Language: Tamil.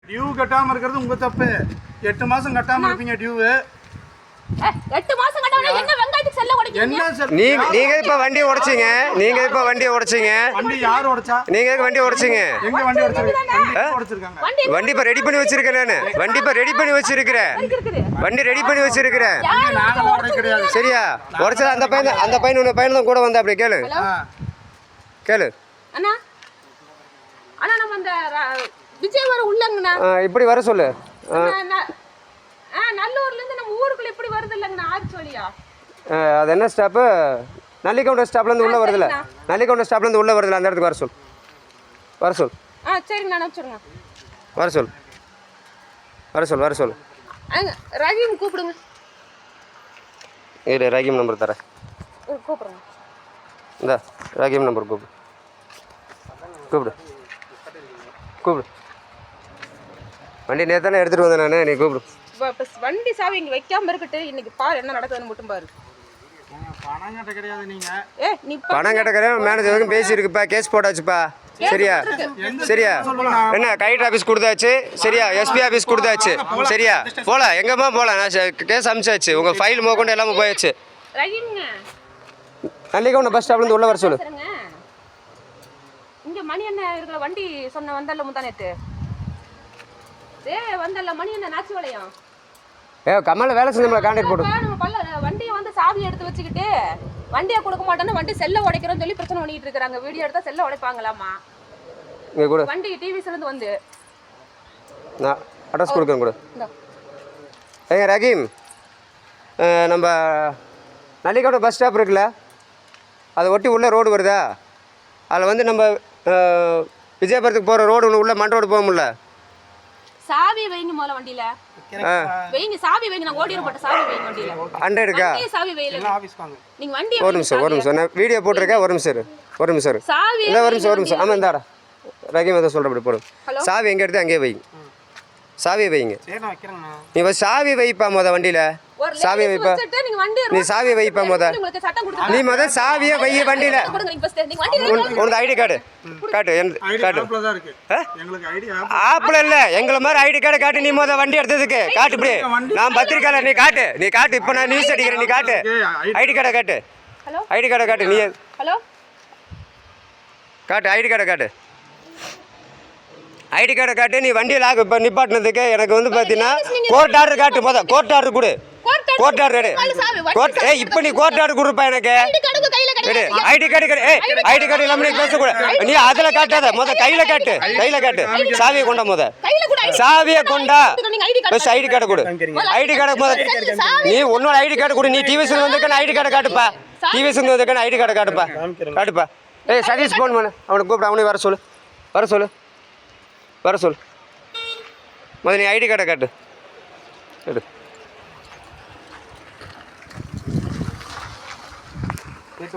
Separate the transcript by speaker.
Speaker 1: டியூ கட்டாம இருக்கிறது உங்க தப்பு. 8 மாசம் கட்டாம இருப்பீங்க டியூ.
Speaker 2: 8 மாசம் கட்டாம என்ன வெங்காயத்துக்கு செல்ல உடைக்கிறீங்க?
Speaker 1: என்ன சார்
Speaker 3: நீங்க இப்ப வண்டி உடைச்சீங்க.
Speaker 1: வண்டி யார் உடைச்சா?
Speaker 3: நீங்க எதுக்கு வண்டி உடைச்சீங்க?
Speaker 1: எங்க வண்டி உடைச்சிருக்காங்க?
Speaker 3: வண்டி இப்ப ரெடி பண்ணி வச்சிருக்கேன் நானு. வண்டி இப்ப ரெடி பண்ணி வச்சிருக்கிறேன். வண்டி ரெடி பண்ணி வச்சிருக்கிறேன்.
Speaker 1: நாங்க உடைக்க கிடையாது.
Speaker 3: சரியா? உடைச்சா அந்த பையன் உன்ன பையன் தான் கூட வந்தா. அப்படி கேளு
Speaker 2: அண்ணா அண்ணா நம்ம அந்த விஜய் வர உள்ளங்கண்ணா.
Speaker 3: இப்படி வர சொல்லு.
Speaker 2: நல்லூர்ல இருந்து நம்ம ஊருக்குள்ள இப்படி வருது இல்லங்கண்ணா, ஆர்ச்சோலியா.
Speaker 3: அது என்ன ஸ்டாப்பு? நல்லிக்கவுண்டர் ஸ்டாப்ல இருந்து உள்ள வருதுல. நல்லிக்கவுண்டர் ஸ்டாப்ல இருந்து உள்ள வருதுல, அந்த இடத்துக்கு வர சொல்.
Speaker 2: சரிங்க நான் வச்சிருங்க.
Speaker 3: வர சொல்.
Speaker 2: ரஹீம் கூப்பிடுங்க.
Speaker 3: இரு, ரஹீம் நம்பர் தரேன்.
Speaker 2: கூப்பிடுங்க.
Speaker 3: இந்த ரஹீம் நம்பர் கூப்பிடு. வண்டி நேத்தானே எடுத்துட்டு வந்தேன் நான். நீ கூப்பிடு.
Speaker 2: வண்டி சாவி இங்க வைக்காம இருக்கட்டு. இன்னைக்கு பாரு என்ன நடக்குதுன்னு மட்டும் பாரு.
Speaker 1: பணம் கட்ட கிடையாது. நீங்க
Speaker 2: நீ
Speaker 3: பணம் கட்ட கிடையாது. மேனேஜர் வரைக்கும் பேசியிருக்குப்பா. கேஸ் போட்டாச்சுப்பா. சரியா? என்ன கைட் ஆஃபீஸ் கொடுத்தாச்சு. சரியா? எஸ்பி ஆஃபீஸ் கொடுத்தாச்சு. சரியா? போல எங்கம்மா போல. நான் கேஸ் அமிச்சாச்சு. உங்க ஃபைல் மோக்கொண்டு எல்லாமே போயாச்சு. நல்லிக்கவுண்டர் பஸ் ஸ்டாப்ல இருந்து உள்ள வர சொல்லு.
Speaker 2: இங்க மணி என்ன இருக்கிற வண்டி சொன்ன வந்தல்ல முந்தானேத்து. வந்தல்ல மணி என்ன நாச்சி வளையம்.
Speaker 3: கமல வேலை செஞ்சோம்ல கான்டாக்ட் போடு.
Speaker 2: நம்ம வண்டியை வந்து சாவி எடுத்து வச்சுக்கிட்டு வண்டியை கொடுக்க மாட்டோன்னு வண்டி செல்ல உடைக்கிறோம்னு சொல்லி பிரச்சனை பண்ணிட்டு இருக்காங்க. வீடியோ எடுத்தா செல்ல உடைப்பாங்களாமா. வண்டி டிவிஸ்ல இருந்து வந்து
Speaker 3: நான் அட்ரஸ் கொடுக்கறேன் கூட. ரஹீம், நம்ம நல்லிக்கவுண்டர் பஸ் ஸ்டாப் இருக்குல்ல, அதை ஒட்டி உள்ள ரோடு வருதா? அதில் வந்து நம்ம விஜயபுரத்துக்கு போகிற ரோடு ஒன்று உள்ள மண் ரோடு போக முடியல.
Speaker 2: சாவி வைங்க முதல்ல வண்டியில. வைங்க சாவி வைங்க. நான் ஓடிற போட்ட சாவி வைங்க வண்டியில.
Speaker 3: 100 இருக்கா?
Speaker 2: சாவி வைங்க.
Speaker 1: ஆபீஸ் வாங்க.
Speaker 2: நீங்க வண்டி
Speaker 3: ஒரு நிமிஷம் நான் வீடியோ போட்டுருக்கேன். ஒரு நிமிஷம்
Speaker 2: சாவி
Speaker 3: இல்லை ஒரு நிமிஷம். ஆமாம் இந்தாடா ரஹீம் எதை சொல்கிறபடி போடும். சாவி எங்கே எடுத்து அங்கேயே வைங்க. சாவி வைங்க. நீ சாவி வைப்பா வண்டியில. சாவி வைப்பா. நீ சாவி வைப்பா நீ சாவியை வை வண்டியில. உனக்கு ஐடி கார்டு காட்டு. ஆப்பிள் இல்ல எங்களை மாதிரி ஐடி கார்டு காட்டு. நீ வண்டி எடுத்ததுக்கு காட்டு. இப்படி நான் பத்திரிக்கையாளர். நீ காட்டு. இப்ப நான் நியூஸ் அடிக்கிறேன். நீ காட்டு. ஐடி கார்டை காட்டு. ஐடி கார்டை காட்டு. நீ காட்டு. ஐடி கார்டை காட்டு. ஐடி கார்டை காட்டு. நீ வண்டியில் இப்போ நிப்பாட்டினதுக்கு எனக்கு வந்து பார்த்தீங்கன்னா கோர்ட் ஆர்டர் காட்டு. கோர்ட் ஆர்டர் கொடு. கோர்ட் ஆர்டர் இப்போ நீ கோர்ட் ஆர்டர் கொடுப்பா எனக்கு. ஐடி கார்டு ஐடி கார்டு இல்லாமல் நீ பேசக்கூடாது. நீ அதில் காட்டாத. கையில் காட்டு. சாவியை கொண்டா. சாவியை கொண்டா. பஸ் ஐடி கார்டை கொடு. ஐடி கார்டை நீ உன்னோட ஐடி கார்டு கொடு. நீ டிவிஎஸ் வந்திருக்கேன் ஐடி கார்டை காட்டுப்பா. டிவிஎஸ் வந்திருக்கேன் ஐடி கார்டை காட்டுப்பா. சதீஷ் ஃபோன் பண்ணு. அவனுக்கு கூப்பிட. அவனையும் வர சொல்லு. நீ ஐடி கார்டை காட்டு.